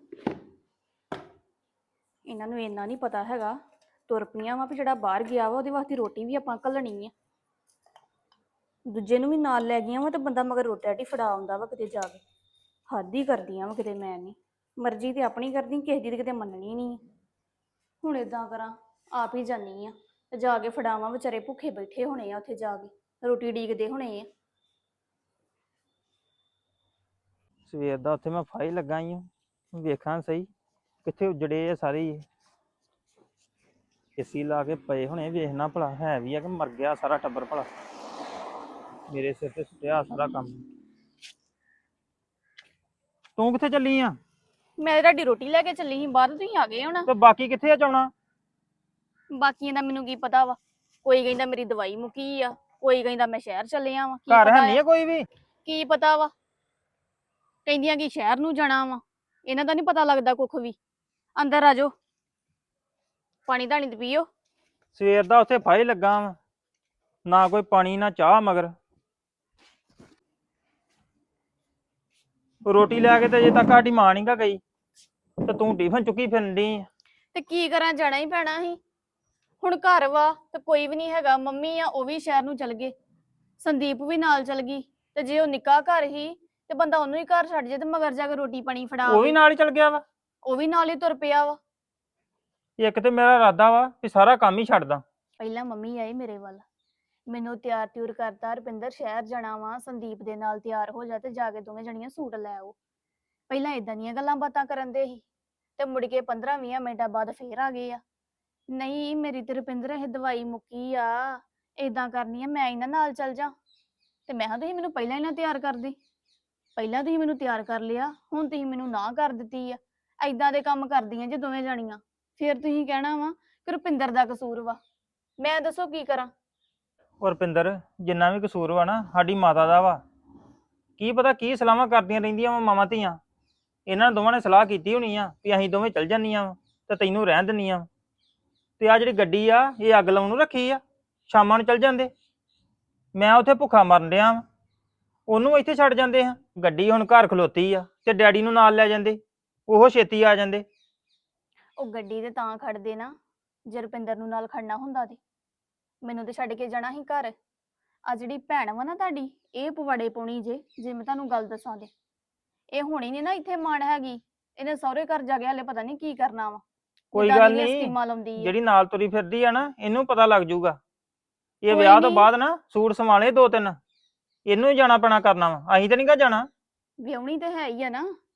C: ਇਹਨਾਂ ਨੂੰ ਇੰਨਾ ਨਹੀਂ ਪਤਾ ਹੈਗਾ, ਤੁਰ ਪਈਆਂ ਵਾ ਵੀ ਜਿਹੜਾ ਬਾਹਰ ਗਿਆ ਵਾ ਉਹਦੇ ਵਾਸਤੇ ਰੋਟੀ ਵੀ ਆਪਾਂ ਘੱਲਣੀ ਆ। ਦੂਜੇ ਨੂੰ ਵੀ ਨਾਲ ਲੈ ਗਈਆਂ ਵਾ ਤੇ ਬੰਦਾ ਮਗਰ ਰੋਟੀ ਰਾਟੀ ਫੜਾ ਆਉਂਦਾ ਵਾ ਕਿਤੇ ਜਾ ਕੇ। ਹੱਦ ਹੀ ਕਰਦੀਆਂ ਵਾ ਕਿਤੇ। ਮੈਂ ਨਹੀਂ, ਮਰਜ਼ੀ ਤੇ ਆਪਣੀ ਕਰਦੀ, ਕਿਸੇ ਦੀ ਤੇ ਕਿਤੇ ਮੰਨਣੀ ਨਹੀਂ। ਹੁਣ ਏਦਾਂ ਕਰਾਂ, ਆਪ ਹੀ ਜਾਨੀ ਆ ਤੇ ਜਾ ਕੇ ਫੜਾਵਾਂ। ਵਿਚਾਰੇ ਭੁੱਖੇ ਬੈਠੇ ਹੋਣੇ ਆ, ਉੱਥੇ ਜਾ ਕੇ ਰੋਟੀ ਡੀਕਦੇ ਹੋਣੇ ਆ।
D: ਸਵੇਰ ਦਾ ਉੱਥੇ ਮੈਂ ਫਾਈ ਲੱਗਾ ਹੀ ਹਾਂ, ਵੇਖਾਂ ਸਹੀ ਕਿੱਥੇ ਉਜੜੇ ਆ ਸਾਰੇ ਹੀ। ਏਸੀ ਲਾ ਕੇ ਪਏ ਹੁਣੇ, ਵੇਖਣਾ ਭਲਾ ਹੈ ਵੀ ਆ ਕਿ ਮਰ ਗਿਆ ਸਾਰਾ ਟੱਬਰ ਭਲਾ। ਮੇਰੇ ਸਿਰ ਤੇ ਸੁੱਟਿਆ ਸਾਰਾ ਕੰਮ। ਤੂੰ ਕਿੱਥੇ ਚੱਲੀ ਆ?
C: ਮੈਂ ਤੁਹਾਡੀ ਰੋਟੀ ਲੈ ਕੇ ਚੱਲੀ ਸੀ ਬਾਹਰ, ਤੁਸੀਂ ਆ ਗਏ ਹੁਣ।
D: ਤੇ ਬਾਕੀ ਕਿੱਥੇ ਆ ਜਾਣਾ?
C: ਬਾਕੀਆਂ ਦਾ ਮੈਨੂੰ ਕੀ ਪਤਾ ਵਾ। ਕੋਈ ਕਹਿੰਦਾ ਮੇਰੀ ਦਵਾਈ ਮੁੱਕੀ ਆ, ਕੋਈ ਕਹਿੰਦਾ ਮੈਂ ਸ਼ਹਿਰ ਚੱਲਿਆ ਵਾਂ।
D: ਘਰ ਹੈ ਨਹੀਂ ਆ ਕੋਈ ਵੀ?
C: ਕੀ ਪਤਾ ਵਾ, ਕਹਿੰਦੀਆਂ ਕਿ ਸ਼ਹਿਰ ਨੂੰ ਜਾਣਾ ਵਾ। ਇਹਨਾਂ ਦਾ ਨਹੀਂ ਪਤਾ ਲੱਗਦਾ ਕੁੱਖ ਵੀ। ਅੰਦਰ ਆ ਜਾਓ, ਪਾਣੀ ਧਾਣੀ ਤੇ ਪੀਓ।
D: ਸਵੇਰ ਦਾ ਉੱਥੇ ਫਾਈ ਲੱਗਾ ਵਾ, ਨਾ ਕੋਈ ਪਾਣੀ ਨਾ ਚਾਹ ਮਗਰ। ਰੋਟੀ ਲੈ ਕੇ ਤੇ ਅਜੇ ਤੱਕ ਸਾਡੀ ਮਾਂ ਨੀ ਗਾ ਗਈ ਤੇ ਤੂੰ ਟਿਫਨ ਚੁੱਕੀ ਫਿਰਨ ਡਈ ਆ।
C: ਤੇ ਕੀ ਕਰਾਂ, ਜਾਣਾ ਹੀ ਪੈਣਾ ਸੀ। ਹੁਣ ਘਰ ਵਾ ਤੇ ਕੋਈ ਵੀ ਨਹੀਂ ਹੈਗਾ। ਮੰਮੀ ਆ ਉਹ ਵੀ ਸ਼ਹਿਰ ਨੂੰ ਚਲ ਗਏ, ਸੰਦੀਪ ਵੀ ਨਾਲ ਚਲ ਗਈ। ਤੇ ਜੇ ਉਹ ਨਿੱਕਾ ਘਰ ਹੀ ਤੇ ਬੰਦਾ ਉਹਨੂੰ ਹੀ ਘਰ ਛੱਡ ਜੇ ਤੇ ਮਗਰ ਜਾ ਕੇ ਰੋਟੀ ਪਾਣੀ ਫੜਾ
D: ਉਹ ਵੀ ਨਾਲ ਹੀ ਚਲ ਗਿਆ ਵਾ।
C: ਉਹ ਵੀ ਨਾਲ ਹੀ ਤੁਰ ਪਿਆ ਵਾ।
D: ਇੱਕ ਤੇ ਮੇਰਾ ਇਰਾਦਾ ਵਾ ਵੀ ਸਾਰਾ ਕੰਮ ਹੀ ਛੱਡਦਾ।
C: ਪਹਿਲਾਂ ਮੰਮੀ ਆਈ ਮੇਰੇ ਵੱਲ, ਮੈਨੂੰ ਤਿਆਰ ਤਿਉਰ ਕਰਤਾ, ਰੁਪਿੰਦਰ ਸ਼ਹਿਰ ਜਾਣਾ ਵਾ, ਸੰਦੀਪ ਦੇ ਨਾਲ ਤਿਆਰ ਹੋ ਜਾ ਤੇ ਜਾ ਕੇ ਦੋਵੇਂ ਜਣੀਆਂ ਸੂਟ ਲੈ ਆਓ। ਪਹਿਲਾਂ ਇਦਾਂ ਦੀਆਂ ਗੱਲਾਂ ਬਾਤਾਂ ਕਰਨ ਦੇ ਸੀ ਤੇ ਮੁੜ ਕੇ ਪੰਦਰਾਂ ਵੀਹ ਮਿੰਟਾਂ ਬਾਅਦ ਫੇਰ ਆ ਗਏ ਆ। ਨਹੀਂ ਮੇਰੀ ਤੇ ਰੁਪਿੰਦਰ ਇਹ ਦਵਾਈ ਮੁੱਕੀ ਆ, ਏਦਾਂ ਕਰਨੀ ਆ, ਮੈਂ ਇਹਨਾਂ ਨਾਲ ਚੱਲ ਜਾ। ਤੇ ਮੈਂ ਕਿਹਾ ਤੁਸੀਂ ਮੈਨੂੰ ਪਹਿਲਾਂ ਹੀ ਨਾ ਤਿਆਰ ਕਰਦੇ। ਪਹਿਲਾਂ ਤੁਸੀਂ ਮੈਨੂੰ ਤਿਆਰ ਕਰ ਲਿਆ, ਹੁਣ ਤੁਸੀਂ ਮੈਨੂੰ ਨਾ ਕਰ ਦਿੱਤੀ ਆ। ਏਦਾਂ ਦੇ ਕੰਮ ਕਰਦੀਆਂ ਜੇ ਦੋਵੇਂ ਜਣੀਆਂ, ਫਿਰ ਤੁਸੀਂ ਕਹਿਣਾ ਵਾ ਕਿ ਰੁਪਿੰਦਰ ਦਾ ਕਸੂਰ ਵਾ। ਮੈਂ ਦੱਸੋ ਕੀ ਕਰਾਂ?
D: ਔਰ ਰੁਪਿੰਦਰ ਜਿੰਨਾ ਵੀ ਕਸੂਰ ਵਾ ਨਾ ਸਾਡੀ ਮਾਤਾ ਦਾ ਵਾ। ਕੀ ਪਤਾ ਕੀ ਸਲਾਹਾਂ ਕਰਦੀਆਂ ਰਹਿੰਦੀਆਂ ਵਾ ਮਾਵਾਂ ਧੀਆਂ। ਇਹਨਾਂ ਦੋਵਾਂ ਨੇ ਸਲਾਹ ਕੀਤੀ ਹੋਣੀ ਆ ਵੀ ਅਸੀਂ ਦੋਵੇਂ ਚੱਲ ਜਾਂਦੀਆਂ ਵਾ ਤੇ ਤੈਨੂੰ ਰਹਿਣ ਦਿੰਦੀਆਂ ਵਾ। ਤੇ ਆ ਜਿਹੜੀ ਗੱਡੀ ਆ ਇਹ ਅੱਗ ਲਾਉਣ ਨੂੰ ਰੱਖੀ ਆ, ਸ਼ਾਮਾਂ ਨੂੰ ਚੱਲ ਜਾਂਦੇ। ਮੈਂ ਉੱਥੇ ਭੁੱਖਾ ਮਰਨ ਡਿਆ ਵਾ, ਉਹਨੂੰ ਇੱਥੇ ਛੱਡ ਜਾਂਦੇ ਆ। ਗੱਡੀ ਹੁਣ ਘਰ ਖਲੋਤੀ ਆ ਤੇ ਡੈਡੀ ਨੂੰ ਨਾਲ ਲੈ ਜਾਂਦੇ, ਉਹ ਛੇਤੀ ਆ ਜਾਂਦੇ।
C: ਉਹ ਗੱਡੀ ਤੇ ਤਾਂ ਖੜਦੇ ਨਾ ਜੇ ਰੁਪਿੰਦਰ ਨੂੰ ਨਾਲ ਖੜਨਾ ਹੁੰਦਾ ਤੇ ਮੈਨੂੰ ਤੇ ਛੱਡ ਕੇ ਜਾਣਾ ਸੀ ਘਰ। ਆ ਜਿਹੜੀ ਭੈਣ ਵਾ ਨਾ ਤੁਹਾਡੀ, ਇਹ ਪਵਾੜੇ ਪਾਉਣੀ ਜੇ ਜੇ ਮੈਂ ਤੁਹਾਨੂੰ ਗੱਲ ਦੱਸਾਂ ਤੇ ਇਹ ਹੋਣੀ ਨੀ ਨਾ ਇੱਥੇ ਮਾਣ ਹੈਗੀ। ਇਹਨੇ ਸਹੁਰੇ ਘਰ ਜਾ ਕੇ ਹਲੇ ਪਤਾ ਨਹੀਂ ਕੀ ਕਰਨਾ ਵਾ।
D: ਕੋਈ
C: ਜਿੱਦਾਂ
D: ਗੱਲ
C: ਦੀਆਂ
D: ਨਹੀਂ,
C: ਸਕੀਮਾਂ ਲਾਉਂਦੀ ਆ।
D: ਜਿਹੜੀ ਨਾਲ ਤੁਰੀ ਫਿਰਦੀ ਆ ਨਾ ਇਹਨੂੰ ਪਤਾ ਲੱਗ ਜਾਊਗਾ। ਇਹ
C: ਕੋਈ
D: ਵਿਆਹ ਤੋਂ
C: ਨੀ।
D: ਬਾਅਦ ਨਾ ਸੂਟ ਸੰਭਾਲੇ ਦੋ ਤਿੰਨ, ਇਹਨੂੰ ਹੀ ਜਾਣਾ ਪੈਣਾ ਕਰਨਾ ਵਾ, ਅਸੀਂ ਤਾਂ ਨਹੀਂ ਗਾ ਜਾਣਾ।
C: ਵਿਆਹੁਣੀ ਤੇ ਹੈ ਹੀ ਆ ਨਾ,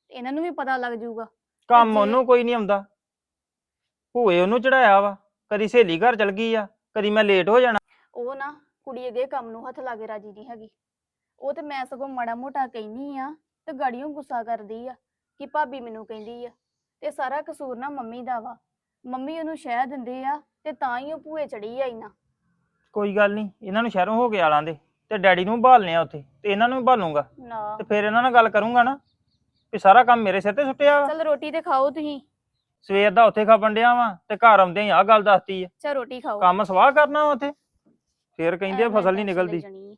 C: ਇਹਨਾਂ ਨੂੰ ਵੀ ਪਤਾ ਲੱਗ ਜਾਊਗਾ।
D: ਕੰਮ
C: ਜੇ-
D: ਉਹਨੂੰ ਕੋਈ ਨਹੀਂ ਆਉਂਦਾ। ਭੂਏ ਉਹਨੂੰ ਚੜਾਇਆ ਵਾ, ਕਦੀ ਸਹੇਲੀ ਘਰ ਚਲ ਗਈ ਆ, ਕਦੀ ਮੈਂ ਲੇਟ ਹੋ ਜਾਣਾ।
C: ਉਹ ਨਾ ਕੁੜੀ ਅੱਗੇ ਕੰਮ ਨੂੰ ਹੱਥ ਲਾ ਕੇ ਰਾਜੀ ਨਹੀਂ ਹੈਗੀ। ਉਹ ਤੇ ਮੈਂ ਸਗੋਂ ਮਾੜਾ ਮੋਟਾ ਕਹਿਨੀ ਆ ਤੇ ਗਾੜੀਆਂ ਗੁੱਸਾ ਕਰਦੀ ਆ ਕਿ ਭਾਬੀ ਮੈਨੂੰ ਕਹਿੰਦੀ ਆ, ਤੇ ਸਾਰਾ ਕਸੂਰ ਨਾ ਮੰਮੀ ਦਾ ਵਾ। ਮੰਮੀ ਉਹਨੂੰ ਸ਼ਹਿ ਦਿੰਦੇ ਆ ਤੇ ਤਾਂ ਹੀ ਉਹ ਭੂਏ ਚੜੀ ਆ ਇੰਨਾ।
D: ਕੋਈ ਗੱਲ ਨਹੀਂ, ਇਹਨਾਂ ਨੂੰ ਸ਼ਹਿਰੋਂ ਹੋ ਕੇ ਆਲਾਂ ਦੇ ਤੇ ਡੈਡੀ ਨੂੰ ਭਾਲਨੇ ਆ ਉੱਥੇ, ਤੇ ਇਹਨਾਂ ਨੂੰ ਵੀ ਭਾਲੂੰਗਾ
C: ਨਾ
D: ਤੇ ਫਿਰ ਇਹਨਾਂ ਨਾਲ ਗੱਲ ਕਰੂੰਗਾ ਨਾ ਵੀ ਸਾਰਾ ਕੰਮ ਮੇਰੇ ਸਿਰ ਤੇ ਸੁੱਟਿਆ ਵਾ।
C: ਚਲ ਰੋਟੀ ਤੇ ਖਾਓ ਤੁਸੀਂ।
D: ਸਵੇਰ ਦਾ ਉੱਥੇ ਖਾਪਣ ਡਿਆ ਵਾਂ ਤੇ ਘਰ ਆਉਂਦਿਆਂ ਹੀ ਆਹ ਗੱਲ ਦੱਸਤੀ ਆ।
C: ਚਲ ਰੋਟੀ ਖਾਓ।
D: ਕੰਮ ਸਵਾਹ ਕਰਨਾ ਵਾ ਉੱਥੇ, ਫਿਰ ਕਹਿੰਦੇ ਆ
C: ਐਵੇਂ
D: ਫਸਲ ਨਹੀਂ
C: tension ਲਈ
D: ਨਿਕਲਦੀ।
C: ਜਾਣੀ ਆ।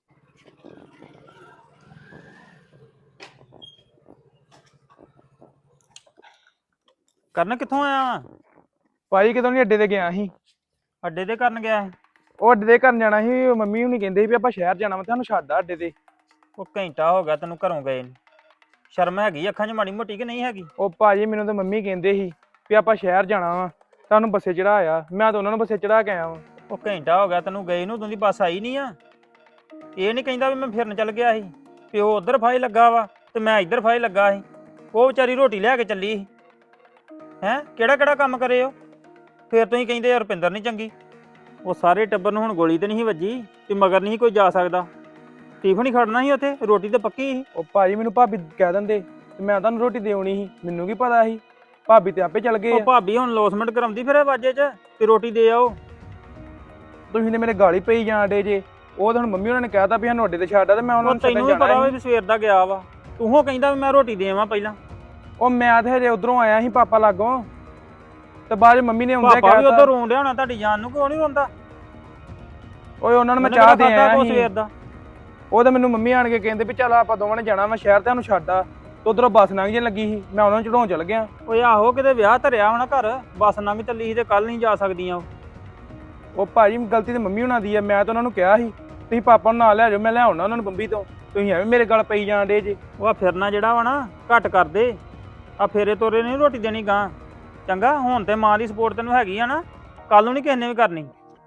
D: ਕਰਨ ਕਿੱਥੋਂ ਆਇਆ ਵਾਂ?
E: ਭਾਜੀ ਕਿਦੋਂ ਨਹੀਂ ਅੱਡੇ ਤੇ ਗਿਆ ਸੀ।
D: ਅੱਡੇ ਤੇ ਕਰਨ ਗਿਆ ਸੀ।
E: ਉਹ ਅੱਡੇ ਤੇ ਕਰਨ ਜਾਣਾ ਸੀ, ਉਹ ਮੰਮੀ ਹੁਣੀ ਕਹਿੰਦੇ ਸੀ ਵੀ ਆਪਾਂ ਸ਼ਹਿਰ ਜਾਣਾ ਵਾ, ਤੁਹਾਨੂੰ ਛੱਡ ਆ ਅੱਡੇ ਤੇ।
D: ਉਹ ਘੰਟਾ ਹੋ ਗਿਆ ਤੈਨੂੰ ਘਰੋਂ ਗਏ ਨੂੰ। ਸ਼ਰਮ ਹੈਗੀ ਅੱਖਾਂ 'ਚ ਮਾੜੀ ਮੋਟੀ ਕਿ ਨਹੀਂ ਹੈਗੀ?
E: ਉਹ ਭਾਜੀ ਮੈਨੂੰ ਤਾਂ ਮੰਮੀ ਕਹਿੰਦੇ ਸੀ ਵੀ ਆਪਾਂ ਸ਼ਹਿਰ ਜਾਣਾ ਵਾ, ਤੁਹਾਨੂੰ ਬੱਸੇ ਚੜਾਇਆ, ਮੈਂ ਤਾਂ ਉਹਨਾਂ ਨੂੰ ਬੱਸੇ ਚੜਾ ਕੇ ਆਇਆ ਵਾਂ।
D: ਉਹ ਘੰਟਾ ਹੋ ਗਿਆ ਤੈਨੂੰ ਗਏ ਨੂੰ, ਤੂੰ ਦੀ ਬੱਸ ਆਈ ਨਹੀਂ ਆ। ਇਹ ਨਹੀਂ ਕਹਿੰਦਾ ਵੀ ਮੈਂ ਫਿਰਨ ਚੱਲ ਗਿਆ ਸੀ, ਪਿਓ ਉਧਰ ਫਾਈ ਲੱਗਾ ਵਾ ਤੇ ਮੈਂ ਇੱਧਰ ਫਾਈ ਲੱਗਾ ਸੀ। ਉਹ ਵਿਚਾਰੀ ਰੋਟੀ ਲੈ ਕੇ ਚੱਲੀ ਸੀ। ਹੈਂ ਕਿਹੜਾ ਕਿਹੜਾ ਕੰਮ ਕਰੇ ਉਹ? ਫਿਰ ਤੁਸੀਂ ਕਹਿੰਦੇ ਯਾਰ ਰੁਪਿੰਦਰ ਨਹੀਂ ਚੰਗੀ। ਉਹ ਸਾਰੇ ਟੱਬਰ ਨੂੰ ਹੁਣ ਗੋਲੀ ਤੇ ਨਹੀਂ ਸੀ ਵੱਜੀ ਤੇ ਮਗਰ ਨਹੀਂ ਕੋਈ ਜਾ ਸਕਦਾ। ਟਿਫਨ ਹੀ ਖੜਨਾ ਸੀ ਉੱਥੇ, ਰੋਟੀ ਤੇ ਪੱਕੀ ਸੀ।
E: ਉਹ ਭਾਜੀ ਮੈਨੂੰ ਭਾਬੀ ਕਹਿ ਦਿੰਦੇ ਤੇ ਮੈਂ ਤੁਹਾਨੂੰ ਰੋਟੀ ਦੇ ਆਉਣੀ ਸੀ, ਮੈਨੂੰ ਕੀ ਪਤਾ ਸੀ, ਭਾਬੀ ਤੇ ਆਪੇ ਚੱਲ ਗਏ
D: ਉਹ
E: ਆ।
D: ਭਾਬੀ ਹੁਣ ਲੋਸਮੈਂਟ ਕਰਾਉਂਦੀ ਫਿਰ ਵਾਜੇ 'ਚ ਤੇ ਰੋਟੀ ਦੇ ਆਓ।
E: ਤੁਸੀਂ ਨੇ ਮੇਰੇ ਗਾਲੀ ਪਈ ਜਾਣ ਡੇ ਜੇ। ਉਹ ਤਾਂ ਹੁਣ ਮੰਮੀ ਉਹਨਾਂ ਨੇ ਕਹਿਤਾ ਵੀ ਸਾਨੂੰ ਅੱਡੇ ਤੇ ਛੱਡ ਆ, ਤੇ ਮੈਂ ਉਹਨਾਂ
D: ਉਹ
E: ਨੂੰ
D: ਤੈਨੂੰ
E: ਛੱਡਣ
D: ਵੀ ਪਤਾ
E: ਜਾਣਾ
D: ਵਾ
E: ਸੀ।
D: ਵੀ ਸਵੇਰ ਦਾ ਗਿਆ ਵਾ, ਤੂੰ ਹੋ ਕਹਿੰਦਾ ਵੀ ਮੈਂ ਰੋਟੀ ਦੇਵਾਂ ਪਹਿਲਾਂ।
E: ਉਹ ਮੈਂ ਤੇ ਹਜੇ ਉਧਰੋਂ ਆਇਆ ਸੀ ਪਾਪਾ ਲਾਗੋਂ, ਤੇ ਬਾਅਦ 'ਚ ਮੰਮੀ ਨੇ ਆਉਂਦਿਆਂ
D: ਪਾਪਾ ਵੀ ਉਧਰ
E: ਕਹਿਤਾ।
D: ਰੋਣ ਡਿਆ ਹੋਣਾ ਤੁਹਾਡੀ ਜਾਨ ਨੂੰ, ਕਿਉਂ ਨਹੀਂ ਰੋਂਦਾ?
E: ਓਏ ਉਹਨਾਂ ਨੂੰ ਮੈਂ
D: ਉਹਨੇ
E: ਚਾਹ
D: ਕਿਹੜਾ
E: ਦੇ
D: ਖਾਧਾ
E: ਆਇਆ
D: ਕੁਛ
E: ਸੀ।
D: ਸਵੇਰ ਦਾ?
E: ਉਹ ਤਾਂ ਮੈਨੂੰ ਮੰਮੀ ਆਣ ਕੇ ਕਹਿੰਦੇ ਵੀ ਚੱਲ ਆਪਾਂ ਦੋਵਾਂ ਨੇ ਜਾਣਾ ਵਾ ਸ਼ਹਿਰ, ਤੇ ਉਹਨੂੰ ਛੱਡ ਆ। ਤੇ ਉਧਰੋਂ ਬੱਸ ਲੰਘ ਜੇ ਲੱਗੀ ਸੀ, ਮੈਂ ਉਹਨਾਂ ਨੂੰ ਚੜਾਉਣ ਚੱਲ ਗਿਆ।
D: ਓਏ ਆਹੋ ਕਿਤੇ ਵਿਆਹ ਧਰਿਆ ਹੋਣਾ ਘਰ, ਬੱਸ ਲੰਘ ਚੱਲੀ ਸੀ ਤੇ ਕੱਲ ਨਹੀਂ ਜਾ ਸਕਦੀਆਂ ਉਹ।
E: ਉਹ ਭਾਜੀ ਗਲਤੀ ਤੇ ਮੰਮੀ ਹੁਣਾਂ ਦੀ ਆ, ਮੈਂ ਤਾਂ ਉਹਨਾਂ ਨੂੰ ਕਿਹਾ ਸੀ ਤੁਸੀਂ ਪਾਪਾ ਨੂੰ ਨਾਲ ਲੈ ਜਾਓ, ਮੈਂ ਲੈ ਆਉਣਾ ਉਹਨਾਂ ਨੂੰ ਬੰਬੀ ਤੋਂ। ਤੁਸੀਂ ਐਵੇਂ ਮੇਰੇ ਗਲ ਪਈ ਜਾਣ ਡੇ ਜੇ।
D: ਉਹ ਆ ਫਿਰਨਾ ਜਿਹੜਾ ਵਾ ਨਾ ਘੱਟ ਕਰ ਦੇ। ਆ ਫੇਰੇ ਤੋਰੇ ਨਹੀਂ ਰੋਟੀ ਦੇਣੀ ਗਾਂ, ਚੰਗਾ? ਹੁਣ ਤੇ ਮਾਂ ਦੀ ਸਪੋਰਟ ਤੈਨੂੰ ਹੈਗੀ ਆ ਨਾ, ਕੱਲ ਨੂੰ ਨਹੀਂ ਕਿਸੇ ਨੇ ਵੀ ਕਰਨੀ।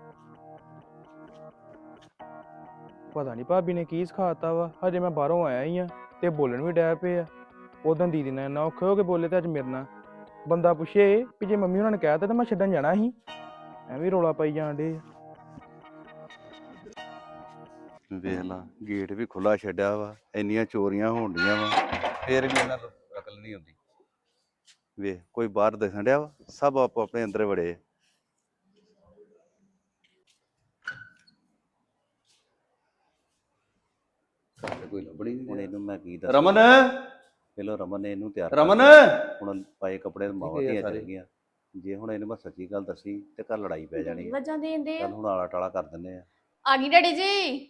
E: ਪਤਾ ਨਹੀਂ ਭਾਬੀ ਨੇ ਕੀ ਸਿਖਾਤਾ ਵਾ, ਹਜੇ ਮੈਂ ਬਾਹਰੋਂ ਆਇਆ ਹੀ ਆ ਤੇ ਬੋਲਣ ਵੀ ਡੈ ਪਏ ਆ। ਉਦੋਂ ਦੀਦੀ ਨਾਲ ਇੰਨਾ ਔਖੇ ਹੋ ਕੇ ਬੋਲੇ ਤੇ ਅੱਜ ਮੇਰੇ ਨਾਲ ਬੰਦਾ ਪੁੱਛੇ ਵੀ ਜੇ ਮੰਮੀ ਉਹਨਾਂ ਨੇ ਕਹਿਤਾ ਤਾਂ ਮੈਂ ਛੱਡਣ ਜਾਣਾ ਸੀ, ਐਵੇਂ ਰੌਲਾ ਪਾਈ ਜਾਣ ਡੇ।
F: ਵੇਖ ਲਾ ਗੇਟ ਵੀ ਖੁੱਲਾ ਛੱਡਿਆ ਵਾ, ਇੰਨੀਆਂ ਚੋਰੀਆਂ ਹੋਣ ਡੀਆਂ ਵਾ, ਫੇਰ ਵੀ ਇਹਨਾਂ ਨੂੰ ਅਕਲ ਨਹੀਂ ਆਉਂਦੀ। ਵੇਖ ਕੋਈ ਬਾਹਰ ਦਿਖਣ ਡਿਆ ਵਾ, ਸਭ ਆਪੋ ਆਪਣੇ ਅੰਦਰ ਵੜੇ ਆ। ਕੋਈ ਲੱਭਣੀ ਨਹੀਂ। ਹੁਣ ਇਹਨੂੰ ਮੈਂ ਕੀ ਦੱਸਾਂ?
G: ਰਮਨ
F: ਪਹਿਲਾਂ ਰਮਨ ਨੇ ਇਹਨੂੰ ਤਿਆਰ
G: ਰਮਨ
F: ਕਰ- ਹੁਣ ਪਾਏ ਕੱਪੜੇ ਮਾਵਾਂ
G: ਗਏ ਆ
F: ਧੀਆਂ
G: ਸਾਰੇ।
F: ਚਲ ਗਈਆਂ। ਜੇ ਹੁਣ ਇਹਨੂੰ ਮੈਂ ਸੱਚੀ ਗੱਲ ਦੱਸੀ ਤੇ ਘਰ ਲੜਾਈ ਪੈ ਜਾਣੀ ਆ।
C: ਵਜਾਂ ਦੇਂਦੇ ਆ।
F: ਚੱਲ ਹੁਣ ਆਲਾ ਟਾਲਾ ਕਰ ਦਿੰਦੇ ਆ।
C: ਆ ਗਈ ਡੈਡੀ ਜੀ।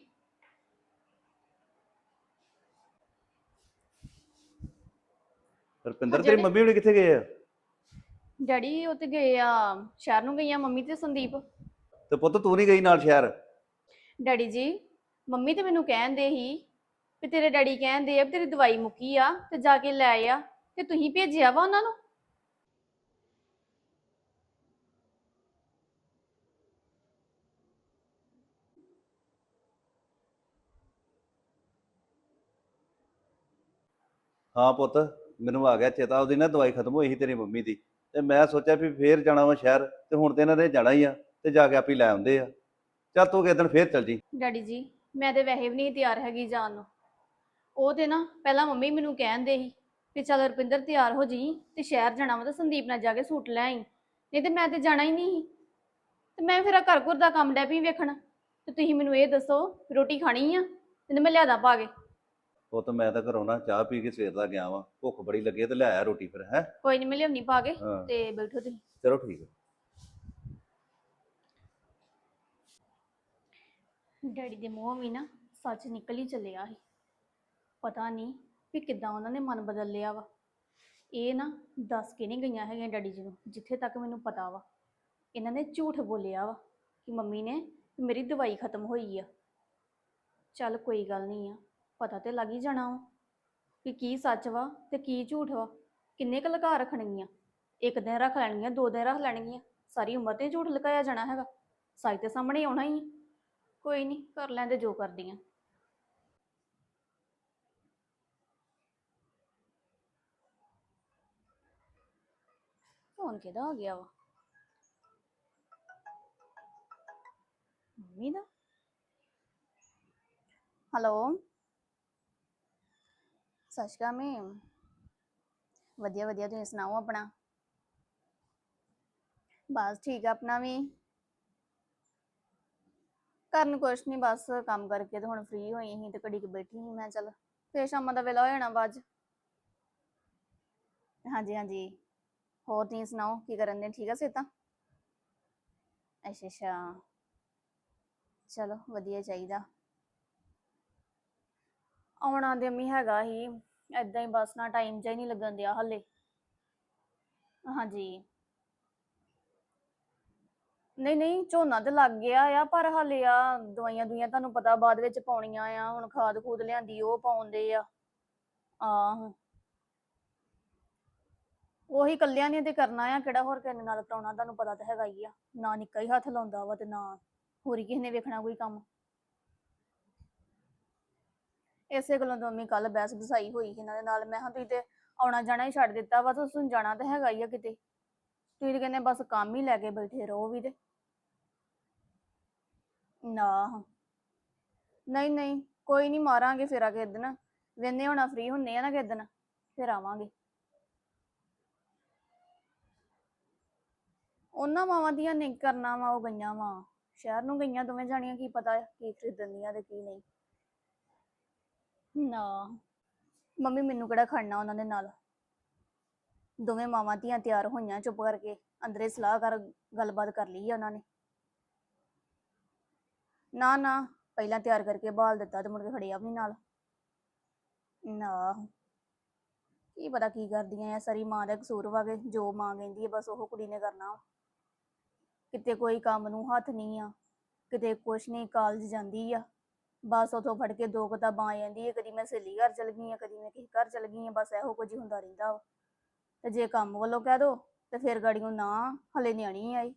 F: ਰੁਪਿੰਦਰ
C: ਜਿਹੜੇ-
F: ਤੇਰੀ ਮੰਮੀ ਹੁਣੀ ਕਿੱਥੇ ਗਏ ਆ?
C: ਡੈਡੀ ਉਹ ਤੇ ਗਏ ਆ ਸ਼ਹਿਰ ਨੂੰ, ਗਈਆਂ ਮੰਮੀ ਤੇ ਸੰਦੀਪ।
F: ਤੇ ਪੁੱਤ ਤੂੰ ਨਹੀਂ ਗਈ ਨਾਲ ਸ਼ਹਿਰ?
C: ਡੈਡੀ ਜੀ ਮੰਮੀ ਤੇ ਮੈਨੂੰ ਕਹਿੰਦੇ ਸੀ ਵੀ ਤੇਰੇ ਡੈਡੀ ਕਹਿੰਦੇ ਆ ਵੀ ਤੇਰੀ ਦਵਾਈ ਮੁੱਕੀ ਆ ਤੇ ਜਾ ਕੇ ਲੈ ਆ, ਤੇ ਤੁਸੀਂ ਭੇਜਿਆ ਵਾ ਉਹਨਾਂ ਨੂੰ?
F: ਹਾਂ ਪੁੱਤ ਮੈਨੂੰ ਆ ਗਿਆ ਚੇਤਾ, ਉਹਦੀ ਨਾ ਦਵਾਈ ਖਤਮ ਹੋਈ ਸੀ ਤੇਰੀ ਮੰਮੀ ਦੀ, ਤੇ ਮੈਂ ਸੋਚਿਆ ਵੀ ਫੇਰ ਜਾਣਾ ਵਾ ਸ਼ਹਿਰ, ਤੇ ਹੁਣ ਤੇ ਇਹਨਾਂ ਨੇ ਜਾਣਾ ਹੀ ਆ, ਤੇ ਜਾ ਕੇ ਆਪੇ ਲੈ ਆਉਂਦੇ ਆ। ਚੱਲ ਤੂੰ ਕਿਸੇ ਦਿਨ ਫੇਰ ਚੱਲ ਜੀ।
C: ਡੈਡੀ ਜੀ ਮੈਂ ਤੇ ਵੈਸੇ ਵੀ ਨਹੀਂ ਤਿਆਰ ਹੈਗੀ ਜਾਣ ਨੂੰ। ਉਹ ਤੇ ਨਾ ਪਹਿਲਾਂ ਮੰਮੀ ਮੈਨੂੰ ਕਹਿੰਦੇ ਸੀ ਵੀ ਚੱਲ ਰੁਪਿੰਦਰ ਤਿਆਰ ਹੋ ਜੀ ਤੇ ਸ਼ਹਿਰ ਜਾਣਾ ਵਾ, ਤਾਂ ਸੰਦੀਪ ਨਾਲ ਜਾ ਕੇ ਸੂਟ ਲੈ ਆਈ, ਨਹੀਂ ਤੇ ਮੈਂ ਤੇ ਜਾਣਾ ਹੀ ਨਹੀਂ ਸੀ। ਤੇ ਮੈਂ ਫਿਰ ਘਰ ਘਰ ਦਾ ਕੰਮ ਡੈ ਪਈ ਵੇਖਣ, ਤੇ ਤੁਸੀਂ ਮੈਨੂੰ ਇਹ ਦੱਸੋ ਰੋਟੀ ਖਾਣੀ ਆ ਤੇ ਮੈਂ ਲਿਆਦਾ ਪਾ ਕੇ?
F: ਉਹ ਤਾਂ ਮੈਂ ਤਾਂ ਘਰੋਂ ਨਾ ਚਾਹ ਪੀ ਕੇ ਸਵੇਰ ਦਾ ਗਿਆ ਵਾਂ, ਭੁੱਖ ਬੜੀ ਲੱਗੀ ਆ ਤੇ ਲੈ ਆਇਆ ਰੋਟੀ ਫਿਰ। ਹੈ
C: ਕੋਈ ਨਹੀਂ ਮੈਂ ਲਿਆਉਣੀ ਪਾ ਕੇ,
F: ਹਾਂ
C: ਤੇ ਬੈਠੋ ਤੁਸੀਂ।
F: ਚਲੋ ਠੀਕ ਹੈ।
C: ਡੈਡੀ ਦੇ ਮੂੰਹੋਂ ਵੀ ਨਾ ਸੱਚ ਨਿਕਲ ਹੀ ਚੱਲਿਆ ਸੀ। ਪਤਾ ਨਹੀਂ ਵੀ ਕਿੱਦਾਂ ਉਹਨਾਂ ਨੇ ਮਨ ਬਦਲ ਲਿਆ ਵਾ। ਇਹ ਨਾ ਦੱਸ ਕੇ ਨਹੀਂ ਗਈਆਂ ਹੈਗੀਆਂ ਡੈਡੀ ਜੀ ਨੂੰ, ਜਿੱਥੇ ਤੱਕ ਮੈਨੂੰ ਪਤਾ ਵਾ ਇਹਨਾਂ ਨੇ ਝੂਠ ਬੋਲਿਆ ਵਾ ਕਿ ਮੰਮੀ ਨੇ ਮੇਰੀ ਦਵਾਈ ਖਤਮ ਹੋਈ ਆ। ਚੱਲ ਕੋਈ ਗੱਲ ਨਹੀਂ ਆ, ਪਤਾ ਤੇ ਲੱਗ ਹੀ ਜਾਣਾ ਵਾ ਕਿ ਕੀ ਸੱਚ ਵਾ ਤੇ ਕੀ ਝੂਠ ਵਾ। ਕਿੰਨੇ ਕੁ ਲੁਕਾ ਰੱਖਣਗੀਆਂ? ਇੱਕ ਦਿਨ ਰੱਖ ਲੈਣਗੀਆਂ, ਦੋ ਦਿਨ ਰੱਖ ਲੈਣਗੀਆਂ, ਸਾਰੀ ਉਮਰ ਤੇ ਝੂਠ ਲੁਕਾਇਆ ਜਾਣਾ ਹੈਗਾ? ਸੱਚ ਤੇ ਸਾਹਮਣੇ ਆਉਣਾ ਹੀ ਆ। ਕੋਈ ਨਹੀਂ, ਕਰ ਲੈਂਦੇ ਜੋ ਕਰਦੀਆਂ। ਫੋਨ ਕਿਹਦਾ ਆ ਗਿਆ ਵਾ? ਮੰਮੀ ਦਾ। ਹੈਲੋ, ਸਤਿ ਸ਼੍ਰੀ ਅਕਾਲ ਮੈਮ। ਵਧੀਆ ਵਧੀਆ, ਤੁਸੀਂ ਸੁਣਾਓ ਆਪਣਾ? ਬਸ ਠੀਕ ਆ ਆਪਣਾ ਵੀ। ਕਰਨ ਕੁਛ ਨਹੀਂ, ਬਸ ਕੰਮ ਕਰਕੇ ਤੇ ਹੁਣ ਫ੍ਰੀ ਹੋਈ ਸੀ ਤੇ ਘੜੀ ਕੁ ਬੈਠੀ ਸੀ। ਮੈਂ ਚੱਲ ਫੇਰ ਸ਼ਾਮਾਂ ਦਾ ਵੇਲਾ ਹੋ ਜਾਣਾ ਵਾ ਅੱਜ। ਹਾਂਜੀ ਹਾਂਜੀ, ਹੋਰ ਤੁਸੀਂ ਸੁਣਾਓ ਕੀ ਕਰਨ ਦੇ? ਠੀਕ ਆ ਸਿਹਤਾਂ? ਅੱਛਾ ਅੱਛਾ, ਚਲੋ ਵਧੀਆ ਚਾਹੀਦਾ। ਆਉਣਾ ਤੇ ਅੰਮੀ ਹੈਗਾ ਹੀ, ਏਦਾਂ ਹੀ ਬਸ ਨਾ ਟਾਈਮ ਜਿਹਾ ਹੀ ਨਹੀਂ ਲੱਗਣ ਦਿਆ ਹਲੇ। ਹਾਂਜੀ, ਨਹੀਂ ਨਹੀਂ ਝੋਨਾ ਤੇ ਲੱਗ ਗਿਆ ਆ, ਪਰ ਹਾਲੇ ਆ ਦਵਾਈਆਂ ਦੁਈਆਂ ਤੁਹਾਨੂੰ ਪਤਾ ਬਾਅਦ ਵਿੱਚ ਪਾਉਣੀਆਂ ਆ। ਹੁਣ ਖਾਦ ਖੂਦ ਲਿਆਂਦੀ ਉਹ ਪਾਉਂਦੇ ਆ। ਆਹੋ, ਉਹੀ ਕੱਲਿਆਂ ਨੇ ਤੇ ਕਰਨਾ ਆ, ਕਿਹੜਾ ਹੋਰ ਕਿਸੇ ਨਾਲ ਕਰਾਉਣਾ? ਤੁਹਾਨੂੰ ਪਤਾ ਤਾਂ ਹੈਗਾ ਹੀ ਆ, ਨਾ ਨਿੱਕਾ ਹੀ ਹੱਥ ਲਾਉਂਦਾ ਵਾ ਤੇ ਨਾ ਹੋਰੀ ਕਿਸੇ ਨੇ ਵੇਖਣਾ ਕੋਈ ਕੰਮ। ਇਸੇ ਗੱਲੋਂ ਤਾਂ ਮੰਮੀ ਕੱਲ ਬਹਿਸ ਬਸਾਈ ਹੋਈ ਸੀ ਇਹਨਾਂ ਦੇ ਨਾਲ। ਮੈਂ ਕਿਹਾ ਤੁਸੀਂ ਤੇ ਆਉਣਾ ਜਾਣਾ ਹੀ ਛੱਡ ਦਿੱਤਾ ਵਾ, ਤੁਸੀਂ ਜਾਣਾ ਤਾਂ ਹੈਗਾ ਹੀ ਆ ਕਿਤੇ। ਤੁਸੀਂ ਕਹਿੰਦੇ ਬਸ ਕੰਮ ਹੀ ਲੈ ਕੇ ਬੈਠੇ ਰਹੋ ਵੀ। ਤੇ ਨਾ, ਨਹੀਂ ਨਹੀਂ ਕੋਈ ਨਹੀਂ, ਮਾਰਾਂਗੇ ਫੇਰਾ ਕਿਸੇ ਦਿਨ। ਵੇਨੇ ਹੋਣਾ ਫ੍ਰੀ ਹੁੰਨੇ ਆ ਨਾ ਕਿਸੇ ਦਿਨ, ਫਿਰ ਆਵਾਂਗੇ। ਉਹਨਾਂ ਮਾਵਾਂ ਦੀਆਂ ਨਹੀਂ ਕਰਨਾ ਵਾ, ਉਹ ਗਈਆਂ ਵਾ ਸ਼ਹਿਰ ਨੂੰ, ਗਈਆਂ ਦੋਵੇਂ ਜਾਣੀਆਂ। ਕੀ ਪਤਾ ਕੀ ਖਰੀਦਣ ਦੀਆਂ ਤੇ ਕੀ ਨਹੀਂ। ਨਾ ਮੰਮੀ ਮੈਨੂੰ ਕਿਹੜਾ ਖੜਨਾ ਉਹਨਾਂ ਦੇ ਨਾਲ। ਦੋਵੇਂ ਮਾਵਾਂ ਧੀਆਂ ਤਿਆਰ ਹੋਈਆਂ ਚੁੱਪ ਕਰਕੇ, ਅੰਦਰੇ ਸਲਾਹ ਕਰ ਗੱਲਬਾਤ ਕਰ ਲਈ ਆ ਉਹਨਾਂ ਨੇ। ਨਾ ਨਾ, ਪਹਿਲਾਂ ਤਿਆਰ ਕਰਕੇ ਬਾਲ ਦਿੱਤਾ ਤੇ ਮੁੜ ਕੇ ਖੜਿਆ ਵੀ ਨਾਲ। ਨਾ, ਕੀ ਪਤਾ ਕੀ ਕਰਦੀਆਂ ਆ, ਸਾਰੀ ਮਾਂ ਦਾ ਕਸੂਰ ਵਾ ਕੇ ਜੋ ਮਾਂ ਕਹਿੰਦੀ ਹੈ ਬਸ ਉਹ ਕੁੜੀ ਨੇ ਕਰਨਾ। ਕਿਤੇ ਕੋਈ ਕੰਮ ਨੂੰ ਹੱਥ ਨਹੀਂ ਆ, ਕਿਤੇ ਕੁਛ ਨਹੀਂ। ਕਾਲਜ ਜਾਂਦੀ ਆ, ਬਸ ਉਥੋਂ ਫੜ ਕੇ ਦੋ ਕਿਤਾਬਾਂ ਆ ਜਾਂਦੀ ਹੈ। ਕਦੀ ਮੈਂ ਸਹੇਲੀ ਘਰ ਚਲ ਗਈ ਆ, ਕਦੀ ਮੈਂ ਕਿਸੇ ਘਰ ਚਲ ਗਈ ਆ, ਬਸ ਇਹੋ ਕੁਝ ਹੀ ਹੁੰਦਾ ਰਹਿੰਦਾ ਵਾ। ਤੇ ਜੇ ਕੰਮ ਵੱਲੋਂ ਕਹਿ ਦੋ ਤੇ ਫਿਰ ਗਾੜੀਆਂ ਨਾ, ਹਲੇ ਨਿਆਣੀ ਆਈ।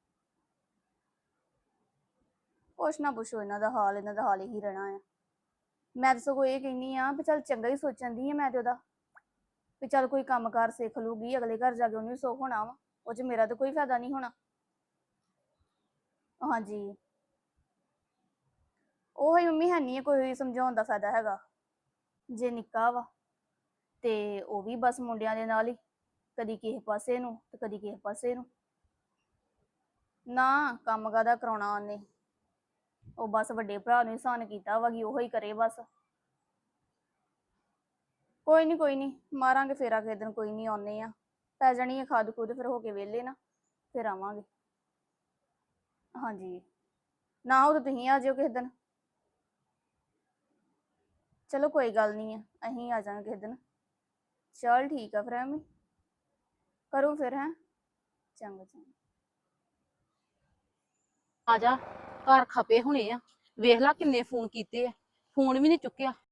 C: ਕੁਛ ਨਾ ਪੁੱਛੋ ਇਹਨਾਂ ਦਾ ਹਾਲ, ਇਹਨਾਂ ਦਾ ਹਾਲ ਹੀ ਰਹਿਣਾ ਆ। ਮੈਂ ਤਾਂ ਸਗੋਂ ਇਹ ਕਹਿੰਦੀ ਆ ਵੀ ਚੱਲ ਚੰਗਾ ਹੀ ਸੋਚਣ ਦੀ ਆ ਮੈਂ ਤੇ ਉਹਦਾ, ਵੀ ਚੱਲ ਕੋਈ ਕੰਮ ਕਾਰ ਸਿੱਖ ਲੂਗੀ, ਅਗਲੇ ਘਰ ਜਾ ਕੇ ਉਹਨੂੰ ਵੀ ਸੁੱਖ ਹੋਣਾ ਵਾ। ਉਹ ਚ ਮੇਰਾ ਤਾਂ ਕੋਈ ਫਾਇਦਾ ਨਹੀਂ ਹੋਣਾ। ਹਾਂਜੀ, ਉਹ ਹੀ ਮੰਮੀ, ਹੈ ਨਹੀਂ ਕੋਈ ਸਮਝਾਉਣ ਦਾ ਫਾਇਦਾ ਹੈਗਾ। ਜੇ ਨਿੱਕਾ ਵਾ ਤੇ ਉਹ ਵੀ ਬਸ ਮੁੰਡਿਆਂ ਦੇ ਨਾਲ ਹੀ, ਕਦੀ ਕਿਸੇ ਪਾਸੇ ਨੂੰ ਤੇ ਕਦੀ ਕਿਸੇ ਪਾਸੇ ਨੂੰ। ਨਾ ਕੰਮ ਕਾਹਦਾ ਕਰਾਉਣਾ ਉਹਨੇ, ਉਹ ਬਸ ਵੱਡੇ ਭਰਾ ਨੂੰ ਇਨਸਾਨ ਕੀਤਾ ਵਾ ਕਿ ਉਹੋ ਹੀ ਕਰੇ ਬਸ। ਕੋਈ ਨਹੀਂ ਕੋਈ ਨਹੀਂ, ਮਾਰਾਂਗੇ ਫੇਰਾ ਕਿਸੇ ਦਿਨ। ਕੋਈ ਨਹੀਂ, ਆਉਨੇ ਆ, ਪੈ ਜਾਣੀ ਹੈ ਖਾਦ ਖੂਦ, ਫਿਰ ਹੋ ਕੇ ਵਿਹਲੇ ਨਾ ਫਿਰ ਆਵਾਂਗੇ। ਹਾਂਜੀ, ਨਾ ਉਹ ਤਾਂ ਤੁਸੀਂ ਆ ਜਾਇਓ ਕਿਸੇ ਦਿਨ। ਚਲੋ ਕੋਈ ਗੱਲ ਨਹੀਂ ਆ, ਅਸੀਂ ਆ ਜਾਵਾਂਗੇ ਕਿਸੇ ਦਿਨ। ਚਲ ਠੀਕ ਆ ਫਿਰ, ਐਵੇਂ ਕਰੋ ਫਿਰ। ਹੈਂ, ਚੰਗਾ ਚੰਗਾ।
B: ਆ ਜਾ, ਘਰ ਖਪੇ ਹੋਣੇ ਆ। ਵੇਖ ਲਾ ਕਿੰਨੇ ਫੋਨ ਕੀਤੇ ਆ, ਫੋਨ ਵੀ ਨਹੀਂ ਚੁੱਕਿਆ।